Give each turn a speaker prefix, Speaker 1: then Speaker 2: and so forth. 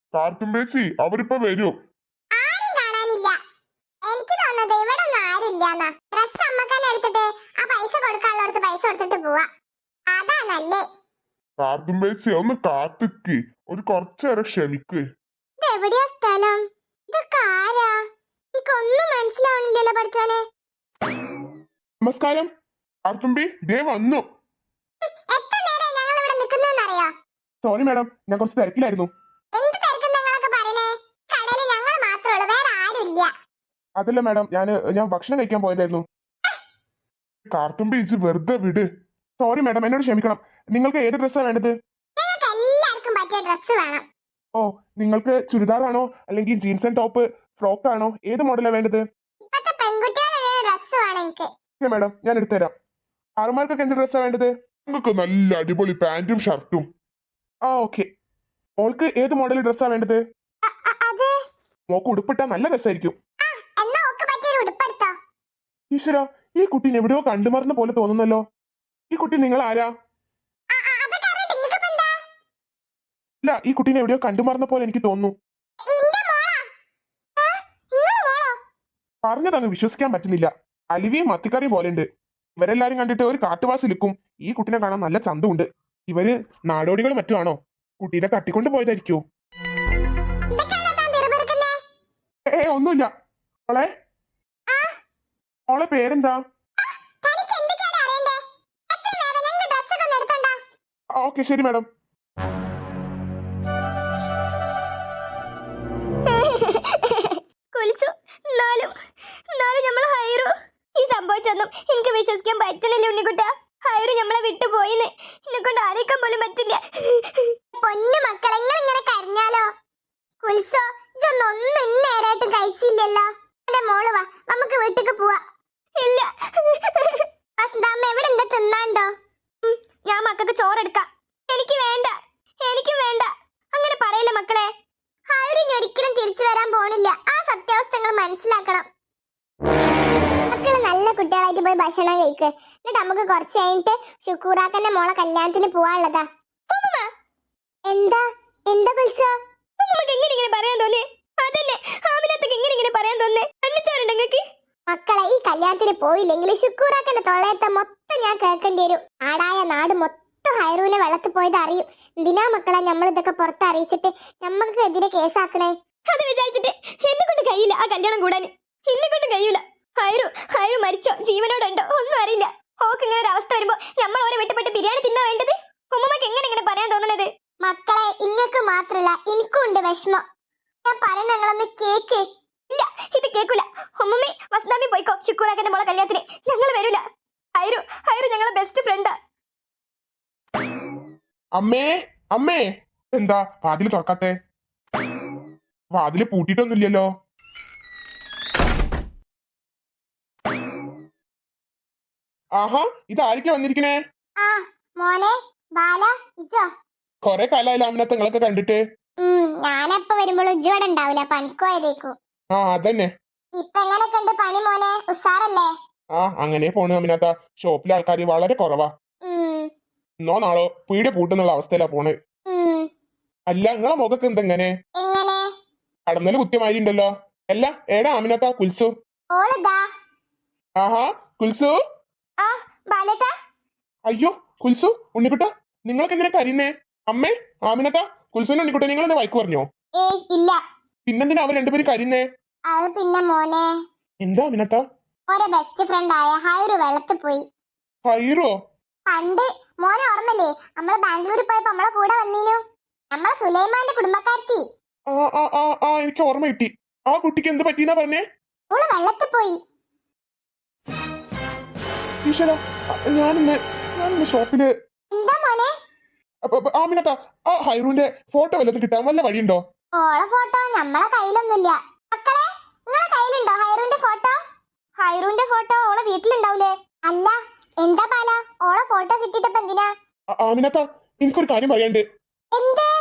Speaker 1: കാർത്തുമ്പേച്ചി അവരിപ്പോ വരൂ.
Speaker 2: ആരും കാണാനില്ല. എനിക്ക് തോന്നുന്നത് ഇവിടെ ഒന്നും ആരില്ലാന്നാ. ഡ്രസ് അമ്മക്കന്നെ എടുത്തിട്ട് ആ പൈസ കൊടുക്കാനുള്ളടത്ത് പൈസ കൊടുത്തിട്ട് പോവാ. അതാ നല്ലേ.
Speaker 1: കാർത്തുമ്പേച്ചി ഒന്ന് കാത്തിക്ക്, ഒരു കുറച്ചേരം ക്ഷമിക്ക്.
Speaker 2: ഇത് എവിടെയാ സ്ഥലം? ഇതൊക്കെ ആരാ? എനിക്കൊന്നും മനസ്സിലാവണില്ലല്ലോ പഠിച്ചാനെ.
Speaker 1: നമസ്കാരം കാർത്തുമ്പി, ദേ വന്നു.
Speaker 2: എത്ര നേരം ഞങ്ങൾ ഇവിടെ നിൽക്കുന്നറിയോ?
Speaker 1: സോറി മാഡം, ഞാൻ കുറച്ച് തിരക്കിലായിരുന്നു.
Speaker 2: എന്ത് തിരക്കും നിങ്ങളൊക്കെ പറയണേ? കടയിൽ ഞങ്ങൾ മാത്രമേ ഉള്ളൂ, വേറെ ആരും ഇല്ല.
Speaker 1: അതല്ല മാഡം, ഞാൻ ഭക്ഷണം കഴിക്കാൻ പോയതായിരുന്നു. കാർത്തുമ്പി ഇജ് വെറുതെ വിട്. സോറി മാഡം, എന്നോട് ക്ഷമിക്കണം. നിങ്ങൾക്ക് ഏത് ഡ്രസ്സാണ് വേണ്ടത്?
Speaker 2: ഞങ്ങൾക്ക് എല്ലാവർക്കും പറ്റിയ ഡ്രസ്സ് വേണം.
Speaker 1: ഓ, നിങ്ങൾക്ക് ചുരിദാറാണോ അല്ലെങ്കിൽ ജീൻസ് ആൻഡ് ടോപ്പ്, ഫ്രോക്ക് ആണോ, ഏത് മോഡലാണ് വേണ്ടത്?
Speaker 2: ഇപ്പത്തെ പെൺകുട്ടികളുടെ ഡ്രസ്സ് വേണം എനിക്ക്.
Speaker 1: ഓക്കെ മാഡം, ഞാൻ എടുത്തുതരാം. ആറുമാർക്കൊക്കെ എന്ത് ഡ്രസ്സാണ് വേണ്ടത്? നിങ്ങൾക്ക് നല്ല അടിപൊളി പാന്റും ഷർട്ടും. ആ ഓക്കെ. മോൾക്ക് ഏത് മോഡൽ ഡ്രസ്സാണ് വേണ്ടത്?
Speaker 2: അത്
Speaker 1: മോക്ക് ഉടുപ്പിട്ടാ നല്ല രസമായിരിക്കും.
Speaker 2: എന്നാ ഓക്ക് പറ്റിയൊരു ഉടുപ്പെടുത്തോ.
Speaker 1: ഈശ്വര, ഈ കുട്ടീനെ എവിടെയോ കണ്ടുമറന്ന പോലെ തോന്നുന്നല്ലോ. ഈ കുട്ടി നിങ്ങൾ ആരാ?
Speaker 2: അതൊക്കെ അറിയട്ടെ, നിങ്ങൾക്കിപ്പോ എന്താ?
Speaker 1: ഇല്ല, ഈ കുട്ടീനെ എവിടെയോ കണ്ടുമറന്ന പോലെ എനിക്ക് തോന്നുന്നു.
Speaker 2: ഇന്റെ മോളാ? നിങ്ങളെ മോളോ?
Speaker 1: പറഞ്ഞതങ്ങ് വിശ്വസിക്കാൻ പറ്റുന്നില്ല. അലിവിയും മത്തിക്കറിയും പോലെ ഉണ്ട്. ഇവരെല്ലാരും കണ്ടിട്ട് ഒരു കാട്ടുവാസി ലിക്കും. ഈ കുട്ടിനെ കാണാൻ നല്ല ചന്തമുണ്ട്. ഇവര് നാടോടികൾ മറ്റുമാണോ? കുട്ടീനെ തട്ടിക്കൊണ്ട് പോയതായിരിക്കോ?
Speaker 2: എന്തൊക്കെയാണോ താൻ പിറുപിറുക്കുന്നേ?
Speaker 1: ഒന്നുമില്ല. മോളെ, മോളെ പേരെന്താ?
Speaker 2: തനിക്ക് എന്തൊക്കെയാണ് അറിയണ്ടേ? എത്ര നേരം ഞങ്ങൾ ഡ്രസ്സൊക്കെ ഒന്ന് എടുത്തോണ്ടാ?
Speaker 1: ഓക്കെ ശരി മാഡം.
Speaker 2: കുൽസു, എന്നാലും നമ്മളെ ഹൈറു, ഈ സംഭവിച്ചൊന്നും എനിക്ക് വിശ്വസിക്കാൻ പറ്റണില്ല ഉണ്ണിക്കുട്ട. ഹൈറു നമ്മളെ വിട്ടുപോയിന്ന് എന്നെ കൊണ്ട് ആരേക്കാൻ പോലും പറ്റില്ല. പൊന്നു മക്കളെ, ഇങ്ങനെ കരഞ്ഞാലോ? കുൽസോ, ഇതൊന്നും ഇന്നേരായിട്ടും കഴിച്ചില്ലല്ലോ. എന്റെ മോള് വാ, നമുക്ക് വീട്ടിക്ക് പോവാ. ഇല്ല വസന്താമ്മ, എവിടെ എന്താ തിന്നാണ്ടോ? ഞാൻ മക്കൾക്ക് ചോറെടുക്കാം. എനിക്ക് വേണ്ട, എനിക്കും വേണ്ട. അങ്ങനെ പറയില്ല മക്കളെ. ഹൈറു ഇനി ഒരിക്കലും തിരിച്ചു വരാൻ പോണില്ല. ആ സത്യാവസ്ഥകൾ മനസ്സിലാക്കണം. മക്കള് നല്ല കുട്ടികളായിട്ട് പോയി ഭക്ഷണം കഴിക്ക്. എന്നിട്ട് നമുക്ക് കുറച്ച് കഴിഞ്ഞിട്ട് ശുക്കൂറാക്കന്റെ മോളെ കല്യാണത്തിന് പോവാനുള്ളതാ. എന്താ എന്താ കുൽസോ? നമുക്ക് എങ്ങനെ ഇങ്ങനെ പറയാൻ തോന്നി? അതന്നെ, ആമിനത്തേക്ക് എങ്ങനെ ഇങ്ങനെ പറയാൻ തോന്നേ? അന്നിച്ചാറുണ്ട് നിങ്ങൾക്ക്? മക്കളെ, ഈ കല്യാണത്തിന് പോയില്ലെങ്കിൽ ശുക്കൂറാക്കന്റെ തൊള്ളയത്തെ മൊത്തം ഞാൻ കേൾക്കേണ്ടി വരും. ആടായ നാട് മൊത്തം ഹൈറൂനെ വെള്ളത്തിൽ പോയത് അറിയും. എന്തിനാ മക്കളെ നമ്മൾ ഇതൊക്കെ പുറത്ത് അറിയിച്ചിട്ട് നമ്മൾക്ക് എതിരെ കേസാക്കണേ? അത് വിചാരിച്ചിട്ട് എന്നെ കൊണ്ട് കഴിയില്ല ആ കല്യാണം കൂടാൻ. എന്നെ കൊണ്ട് കഴിയൂല. ഹൈറു മരിച്ചോ ജീവനോടുണ്ടോ ഒന്നും അറിയില്ല. ഓക്ക് ഇങ്ങനെ ഒരു അവസ്ഥ വരുമ്പോ നമ്മൾ ഓരോ വിട്ടപ്പെട്ട് ബിരിയാണി തിന്നാ വേണ്ടത്? ഉമ്മമ്മക്ക് എങ്ങനെ ഇങ്ങനെ പറയാൻ തോന്നുന്നത്? മക്കളെ, ഇങ്ങക്ക് മാത്രല്ല എനിക്കും ഉണ്ട് വിഷമം. ഞാൻ പറയുന്ന ഞങ്ങളൊന്ന് കേക്ക്. ഇല്ല, ഇത് കേൾക്കൂല. ഉമ്മമ്മേ വസന്താമി പോയിക്കോ ശുക്കൂറാക്കന്റെ മോളെ കല്യാണത്തിന്. ഞങ്ങൾ വരൂല. ഹൈറു ഞങ്ങളെ ബെസ്റ്റ് ഫ്രണ്ടാ.
Speaker 1: അമ്മേ, അമ്മേ, എന്താ വാതില് തുറക്കാത്തെ? വാതില് പൂട്ടിയിട്ടൊന്നുമില്ലല്ലോ. ആഹാ, ഇതായിരിക്കും വന്നിരിക്കണേ? മോനെ ബാല, ഇജോ? കൊറേ കാലായില്ല അമിനത്ത് നിങ്ങളൊക്കെ കണ്ടിട്ട്. ഞാനപ്പ വരുമ്പോൾ ഇജ്ജോടെ ഉണ്ടാവില്ല, പണിക്കോയതേക്കു. അതന്നെ. ഇപ്പൊ എങ്ങനെയൊക്കെ ഉണ്ട് പണി മോനെ? ഉസാറല്ലേ? അങ്ങനെ പോണു അമിനത്ത. ഷോപ്പിലെ ആൾക്കാര് വളരെ കുറവാ. ഇന്നോ നാളോ പീടിക പൂട്ടുന്നുള്ള അവസ്ഥയിലാ പോണ്. അല്ല, നിങ്ങളെ മുഖക്ക് എന്തെങ്ങനെ? കടന്നല് കുത്തിയമാതിരി ഉണ്ടല്ലോ. അല്ല, ഏടാ അമിനത്ത കുൽസു? ആഹാ, കുൽസു. അയ്യോ കുൽസു, ഉണ്ണിക്കുട്ട, നിങ്ങൾക്ക് എന്തിനാ കരയുന്നേ? അമ്മേ, ആമിനത്ത, കുൽസുവിന്റെ ഉണ്ണിക്കുട്ട, നിങ്ങൾ എന്താ വൈക്ക് പറഞ്ഞോ?
Speaker 2: ഇല്ല.
Speaker 1: പിന്നെന്തിനാ അവർ രണ്ടുപേരും കരയുന്നേ?
Speaker 2: അത് പിന്നെ മോനെ,
Speaker 1: എന്താ അമിനത്ത? ഒരു
Speaker 2: ബെസ്റ്റ് ഫ്രണ്ട് ആയ ഹൈറു വെള്ളത്തിൽ പോയി.
Speaker 1: ഹൈറോ?
Speaker 2: പണ്ട് മോനെ ഓർമ്മല്ലേ, നമ്മള് ബാംഗ്ലൂരിൽ പോയപ്പോ നമ്മളെ കൂടെ വന്നീനു, നമ്മളെ സുലൈമാന്റെ കുടുംബക്കാരത്തി.
Speaker 1: എനിക്ക് ഓർമ്മ കിട്ടി. ആ കുട്ടിക്ക് എന്ത് പറ്റിയെന്നാ പറഞ്ഞേ?
Speaker 2: ഓള് വെള്ളത്തിൽ പോയി.
Speaker 1: ഈശ്വര, ഞാനിന്ന് ഷോപ്പില്.
Speaker 2: എന്താ മോനെ?
Speaker 1: ആമിനത്ത, ആ ഹൈറുവിന്റെ ഫോട്ടോ വല്ലതും കിട്ടാൻ വല്ല വഴിയുണ്ടോ?
Speaker 2: ഓളെ ഫോട്ടോ നമ്മളെ കയ്യിലൊന്നുമില്ല. മക്കളെ, നിങ്ങളെ കയ്യിലുണ്ടോ ഹൈറുവിന്റെ ഫോട്ടോ? ഹൈറുവിന്റെ ഫോട്ടോ ഓളെ വീട്ടിലുണ്ടാവൂലേ? അല്ല, എന്താ ബാല, ഓളെ ഫോട്ടോ കിട്ടിയിട്ടപ്പോ എന്തിനാ?
Speaker 1: ആമിനത്ത, എനിക്കൊരു കാര്യം പറയാണ്ട്.
Speaker 2: എന്തേ?